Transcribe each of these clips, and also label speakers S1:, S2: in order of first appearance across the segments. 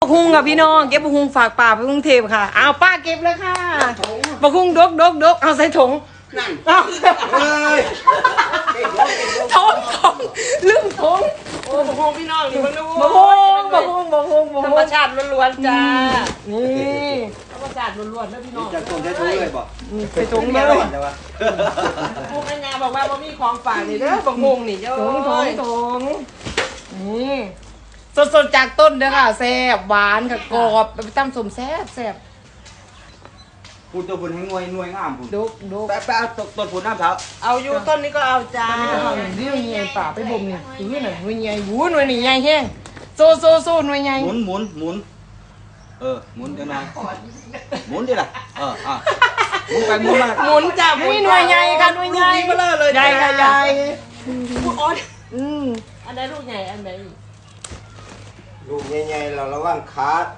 S1: กฮุงกับพี่น้องเก็บบักฮุงฝากป่าไปกรุงเทพค่ะเอาป้าเก็บแล้วค่ะบักฮุงดกเอาใส่ถุงเอาถุงลืมถุง
S2: โอ้บักฮงพี่น้องนี่มันรู้
S1: บักฮุง
S2: ธรรมชาติล้วนๆจ้า
S1: นี่
S2: ธรรมชาติล้วนๆนะพี่น้อง
S3: จะตรงใช้ถุงเลยบ่
S1: ใส่ถุงเลย
S3: แต่ว่า
S2: พวกแม่งาบอกว่าบ่มีของฝากนี่เด้อบักฮงนี่เจ้า
S1: ถุงนี่สดๆจากต้นเด้อค่ะแซ่บหวานค่ะกรอบไปตั้มสมแซ่บ
S3: พูดตัวพุ่นให้งวยงามพุ่น
S1: ดก
S3: แปะต้นพุ่นน้ำเท้า
S2: เอาอยู่ต้นนี้ก็เอาจ้า
S1: เรื่องใหญ่ป่าไปบ่มนี่หน่วยใหญ่หูหน่วยนี่ใหญ่แห้งโซหน่วยใหญ่
S3: หมุนหมุนจังไงหมุนดิล่ะหมุนไปหมุนมา
S2: หมุนจ้า
S1: หน่วยใหญ่ค่ะหน่วยใหญ่
S2: ลูกนี้เบลอเลย
S1: ใหญ่ค่ะใหญ่
S2: พูดอ๋อ
S1: ม
S2: อันไหนลูกใหญ่อันไหน
S4: ลูกใหญ่ๆเราระวังขาด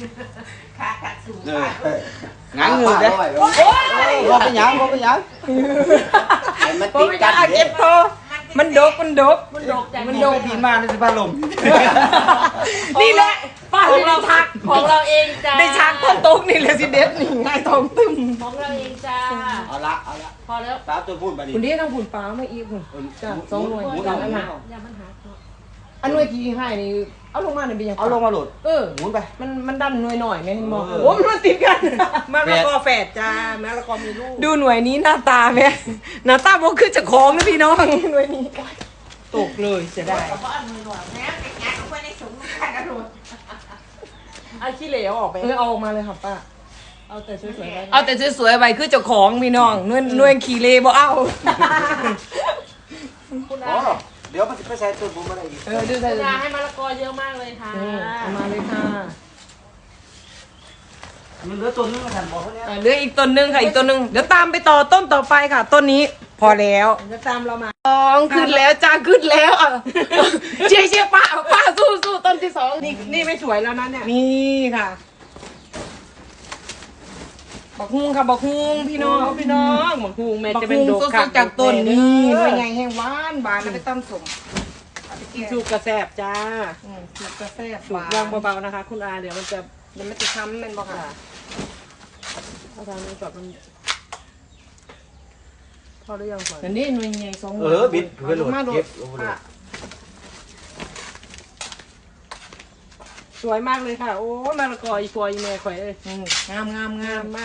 S3: งั้นเงินเด้บ่เป็นหยัง
S4: ให้มัน
S1: พอ
S4: ติด
S1: ไม่
S4: กั
S1: ได้
S4: น
S1: เก็บพอมันดก
S2: มันดกจ้ะ
S3: มันโดนปีมาในสภาลม
S1: นี่แหละป้า
S2: ของเราทักของเราเองจ้า
S1: ได้ช้างต้นตกนี่แหละสิเด็ดนี่ง่ายทองตึม
S2: ของเราเองจ้า
S3: เอาละ
S2: พอแล้ว
S3: ตาตัวพูดไปดิ
S1: คุณนี่ต้องผุนปลามาอีกคุณจ้ะ2หน่วย
S3: หมุน
S1: จ้ะ
S3: เอา
S1: อันนั้น
S2: อย่ามันหาตัว
S1: อันหน่วยที่ให้นี่เอาลงมาเนี่ยเป็นยัง
S3: เอาลงมาโหลด หมุนไป
S1: มันดันหน่วยหน่อยไหมมอง
S3: เออ
S1: โอ้มันติดกัน
S2: มะละกอแฝดจ้ามะละกอมีลูก
S1: ดูหน่วยนี้หน้าตาไหมหน้าตาบอกคือจะคล้องนะพี่น้องหน่วยนี้
S2: ตกเลยเสียดาย
S5: เพราะอันมือหนวดแม่ไปงัดเอาไว้ในถุงขันกระโดด
S2: ไอ้ขี้เหลวออกไป
S1: เอาออกมาเลยค่ะป้า
S2: เอาแต่สวยๆไว้
S1: เอาแต่สวยๆไว้คือเจ้าของพี่น้องหน่วยขี่เลบ่เอา
S2: คุณ
S3: อ๋
S2: อา
S3: อเดี๋ยวมันจะไปใส่ต้นพุ่นมาได้อีก
S1: ดูใส่
S2: คุณอาให้มะละกอเยอะมากเลยค่ะ
S1: เอามาเลยค่ะ
S3: มันเหลือต้นนึงมาทันบอกเขาเนี่ย
S1: เหลืออีกต้นหนึงค่ะอีกต้นหนึงเดี๋ยวตามไปต่อต้นต่อไปค่ะ ต้นนี้พอแล้ว
S2: จะตามเรามา
S1: สองขึ้นแล้วจ้าขึ้นแล้วอ่ะเชียร์ป้าสู้ต้นที่สอง
S2: นี่ไม่สวยแล้วนะเนี่ย
S1: นี่ค่ะบักฮุงค่ะบักฮุงพี่น้อง
S2: พี่น้องหมกฮูงแม่
S1: บัก
S2: จะเป็
S1: ฮุ
S2: น
S1: ง
S2: ดก
S1: สดๆจากต้นนี่หน่วยใหญ่แห้งหวานแล้วไปตำสม
S2: สูบกระแสบจ้า
S1: สูตรกาแฟ
S2: สูบยางเบาๆนะคะ คุณอาเดี๋ยวมันจะ
S1: มันไม่ติดช้ำแมันบอกค่ะ
S2: เอาทางนี้ก่อนมันพอหรือยังก่อน
S1: อันนี้หน่วยใหญ่สองหน่
S3: บิดเพื่อโหลด
S1: มาโด
S3: เก็
S1: ด
S3: บลงมาโหลด
S2: สวยมากเลยค่ะ โอ้มะละกออีกอยแม่ข่อยเอ้ย
S1: งาม
S2: งามมาก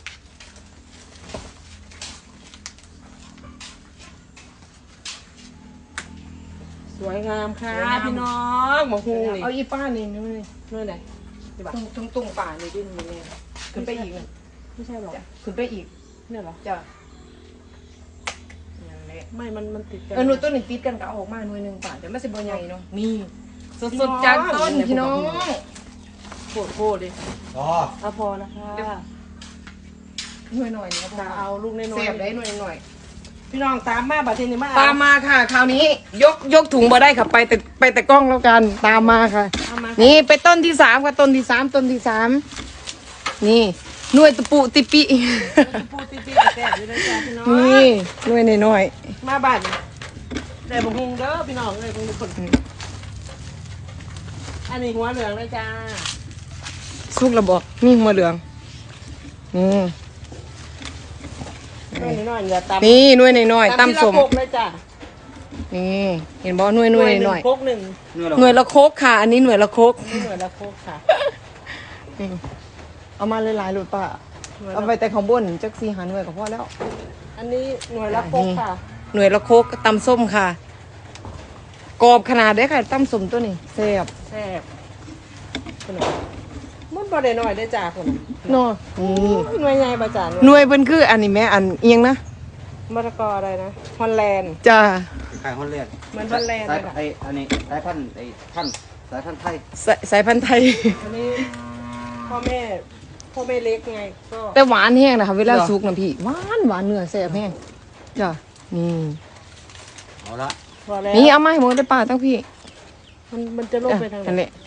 S2: สวยงามค่ะพี่น้องหมกฮูงนี่
S1: เอาอีป้านี่นี่
S2: นู่นไหนดีป่ะ
S1: ตรงป่านี่ดินี่เนี่ยขึ้นไปอีก
S2: ไม่ใช่หรอ
S1: ขึ้นไปอีก
S2: เนี่ยเหรอ
S1: จ้ะอย่างนี้
S2: ไม่มันติดกัน
S1: หนูต้นนี่ติดกันก็เอาออกมาหน่วยหนึ่งป่าเดี๋ยวไม่สิบใหญ่เนาะนี่สดๆจากต้นพี่น้อง
S2: โคตรดิ
S3: อ๋อ
S2: เอาพอนะคะ
S1: หน่วยหน่อยนี่
S2: จะเอาลูกน้อย
S1: เสียบได้หน่วยหน่อย
S2: ๆพี่น้องตามมาบัดเทนี่มา
S1: ตามมาค่ะ คราวนี้ยกถุงมาได้ค่ะไปแต่กล้องแล้วกันตามมาค่ะ
S2: เอามา
S1: นี่ไปต้นที่สามค่ะต้นที่สามนี่หน่วยตะปูติปิ
S2: พูดตีๆแซ่บอยู่เลยจ้าพี่น้อง
S1: นี่หน่วยน้อย
S2: มาบัดได้บงฮงเด้อพี่น้องเลยบงคนอันนี้หัวเหลืองเลยจ้า
S1: ๆสุกระบอกมีหัวเหลืองอืม
S2: น้อยๆอย่าตำ
S1: นี่หน่วยน้อยๆตำสม
S2: ทีละโคกเลยจ้า
S1: นี่เห็นบ่หน่วยน้อย
S2: โคกหนึ่ง
S1: หน่วยละโคกค่ะ อันนี้หน่วยละโคก
S2: นี่หน่วยละโคกค่ะ
S1: เอามาหลายๆหลุดป่ะเอาไปแต่ของบนจักสีหาหน่วยก็พอแล้ว
S2: อันนี้หน่วยละโคกค่ะ
S1: หน่วยละโคกตำส้มค่ะกรอบขนาดได้ค่ะตำส้มตัวนี้แซ่บ
S2: แซ่บคนน่ะมันบ่ได้น้อยได้จ้าคนน่ะ
S1: เนาะนี่
S2: หน่วยใหญ่บ่จ้า
S1: หน่วยเพิ่นคืออันนี้แม่อันเอียงนะ
S2: มะละกออะไรนะฮอลแลนด์
S1: จ้า
S3: ขายฮอลแลนด์
S2: เหมือนฮอลแลนด์
S3: สา
S2: เลย ยค่ะ
S3: อันนี้สายพันธุ์สายพันธุ์ไทย
S1: สายพันธุ์ไทย
S2: อันนี้พ่อแม่เล็กไงก็
S1: แต่หวานแห้งนะคะเวลาสุกนะพี่หวานเนื้อแซ่บแห้งจ้ะนี่
S3: เอาละ
S2: พอแล้ว
S1: นี่เอามาให้หมดได้ป่าตั้งพี่
S2: มันจะลงไปทางไห
S1: นั่น
S2: น
S1: แหละ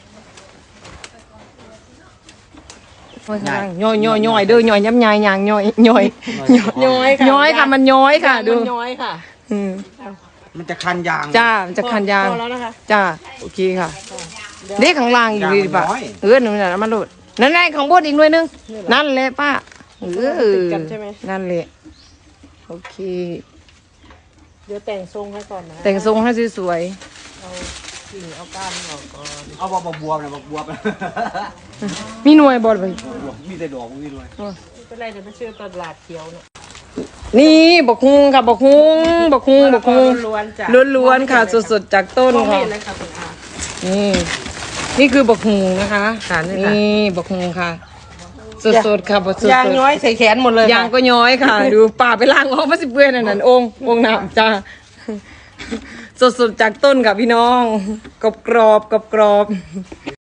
S1: ย่อยเด้อย่อยย้ำยายยางย่อย
S2: ย้อยค่ะ
S1: ย้อยค่ะมันย้อยค่ะดู
S2: มันย้อยค่ะ
S1: อืม
S3: มันจะคันยาง
S1: จ้ามันจะคันยาง
S2: พอแล้วนะคะ
S1: จ้าโอเคค่ะเด็กข้างล่างอีกดีป่ะนั่นแหละมันโหลดนั่นไงข้างบนอีกหน่วยนึงนั่นแหละป้า
S2: ติดกันใช่ไหม
S1: นั่นแหละโอเค
S2: เดี๋ยวแต่งทรงให้ก่อนนะ
S1: แต่งทรงให้สวย
S2: เอากิ่งเอาก้านออกก่อน
S3: เอาบักบวบนะบักบวบ
S1: ๆมีหน่วยบอดไป
S3: มีแต่ดอกมีด้วย
S2: ไม่เป็นไรเดี๋ยวไปซื้อตลาดเขียวเนี่ย
S1: นี่บักฮุงค่ะบักฮุง
S2: ล้วนๆจ้ะ
S1: ล้วนๆค่ะสดๆจากต้น
S2: มองไม่
S1: ค่ะ
S2: เห็นเลยค่ะคุณอา
S1: นี่คือบักฮุงนะคะ
S2: ค่ะนี่ค่ะ
S1: นี่บักฮุงค่ะสดๆค่ะสด
S2: ยางย้อยใส่แขนหมดเลย
S1: ยางก็ย้อยค่ะ ดูป่าไปล้างออกมาสิเปื้อนนั่นองค์น้ำจ้าสดๆจากต้นค่ะพี่น้องกรอบๆ